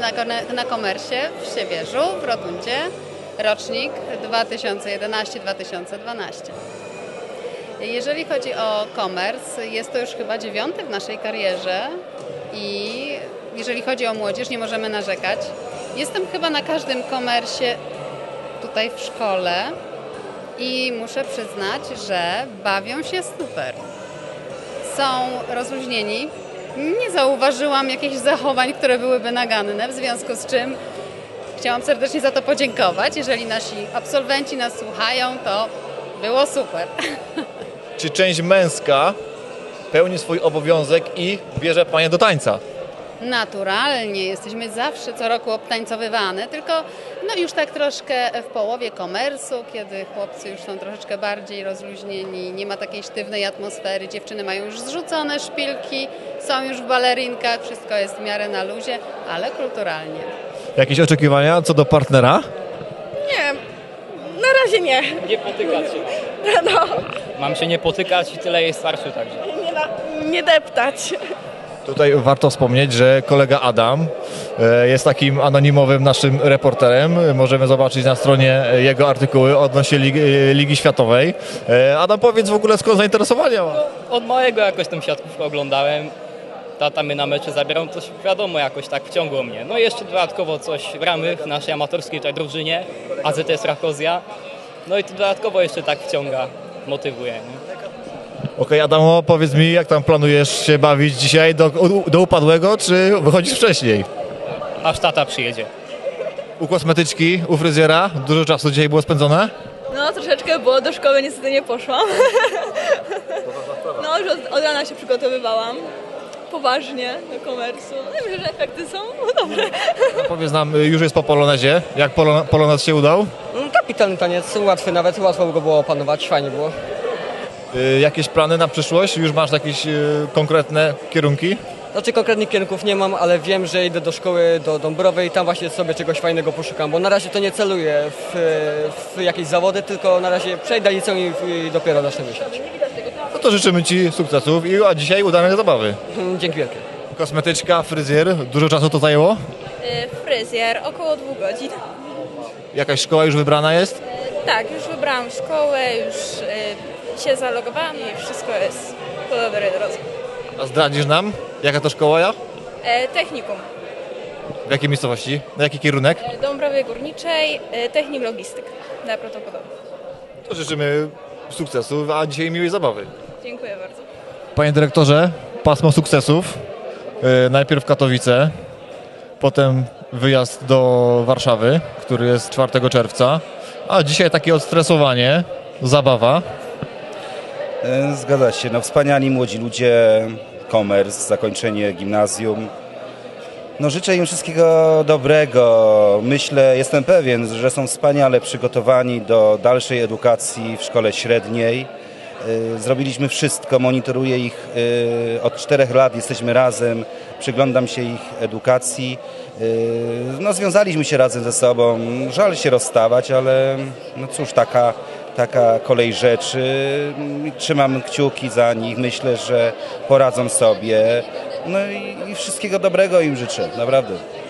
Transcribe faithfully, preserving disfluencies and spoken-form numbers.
na, na komersie w Siewierzu, w Rotundzie, rocznik dwa tysiące jedenasty dwa tysiące dwanaście. Jeżeli chodzi o komers, jest to już chyba dziewiąty w naszej karierze i jeżeli chodzi o młodzież, nie możemy narzekać. Jestem chyba na każdym komersie tutaj w szkole i muszę przyznać, że bawią się super. Są rozluźnieni. Nie zauważyłam jakichś zachowań, które byłyby naganne, w związku z czym chciałam serdecznie za to podziękować. Jeżeli nasi absolwenci nas słuchają, to było super. Czy część męska pełni swój obowiązek i bierze panie do tańca? Naturalnie, jesteśmy zawsze co roku obtańcowywane, tylko no już tak troszkę w połowie komersu, kiedy chłopcy już są troszeczkę bardziej rozluźnieni, nie ma takiej sztywnej atmosfery, dziewczyny mają już zrzucone szpilki, są już w balerinkach, wszystko jest w miarę na luzie, ale kulturalnie. Jakieś oczekiwania co do partnera? Nie, na razie nie. Nie potykać się. No, Mam się nie potykać i tyle jest starszy także. nie, na, nie deptać. Tutaj warto wspomnieć, że kolega Adam e, jest takim anonimowym naszym reporterem. Możemy zobaczyć na stronie jego artykuły odnośnie Ligi, Ligi Światowej. E, Adam, powiedz w ogóle, skąd zainteresowania ma? Od małego jakoś tą siatkówkę oglądałem. Tata mnie na mecze zabierał, to wiadomo, jakoś tak wciągło mnie. No i jeszcze dodatkowo coś w ramy w naszej amatorskiej tutaj drużynie, A Z S Rakozja. No i to dodatkowo jeszcze tak wciąga, motywuje. Nie? Okej, okay, Adamo, powiedz mi, jak tam planujesz się bawić dzisiaj do, do upadłego, czy wychodzisz wcześniej? Aż tata przyjedzie. U kosmetyczki, u fryzjera, dużo czasu dzisiaj było spędzone? No, troszeczkę, bo do szkoły niestety nie poszłam. No, już od, od rana się przygotowywałam. Poważnie do komersu. No i myślę, że efekty są no, dobre. No, powiedz nam, już jest po polonezie. Jak polon polonez się udał? Kapitalny taniec, łatwy nawet, łatwo go było opanować, fajnie było. Y, jakieś plany na przyszłość? Już masz jakieś y, konkretne kierunki? Znaczy konkretnych kierunków nie mam, ale wiem, że idę do szkoły do Dąbrowej i tam właśnie sobie czegoś fajnego poszukam, bo na razie to nie celuję w, w jakieś zawody, tylko na razie przejdę liceum i, i dopiero zacznę myśleć. No to życzymy Ci sukcesów i a dzisiaj udanej zabawy. Dzięki wielkie. Kosmetyczka, fryzjer, dużo czasu to zajęło? Fryzjer, około dwóch godzin. Jakaś szkoła już wybrana jest? Tak, już wybrałam szkołę, już y, się zalogowałam i wszystko jest po dobrej drodze. A zdradzisz nam, jaka to szkoła ja? E, technikum. W jakiej miejscowości? Na jaki kierunek? E, Dąbrowie Górniczej, e, technik logistyk dla protokołu. To życzymy sukcesów, a dzisiaj miłej zabawy. Dziękuję bardzo. Panie dyrektorze, pasmo sukcesów. Yy, najpierw Katowice, potem wyjazd do Warszawy, który jest czwartego czerwca, a dzisiaj takie odstresowanie, zabawa. Zgadza się, no wspaniali młodzi ludzie, komers, zakończenie gimnazjum. No życzę im wszystkiego dobrego. Myślę, jestem pewien, że są wspaniale przygotowani do dalszej edukacji w szkole średniej. Zrobiliśmy wszystko, monitoruję ich od czterech lat, jesteśmy razem, przyglądam się ich edukacji. No związaliśmy się razem ze sobą, żal się rozstawać, ale no cóż, taka taka kolej rzeczy. Trzymam kciuki za nich, myślę, że poradzą sobie. No i, i wszystkiego dobrego im życzę, naprawdę.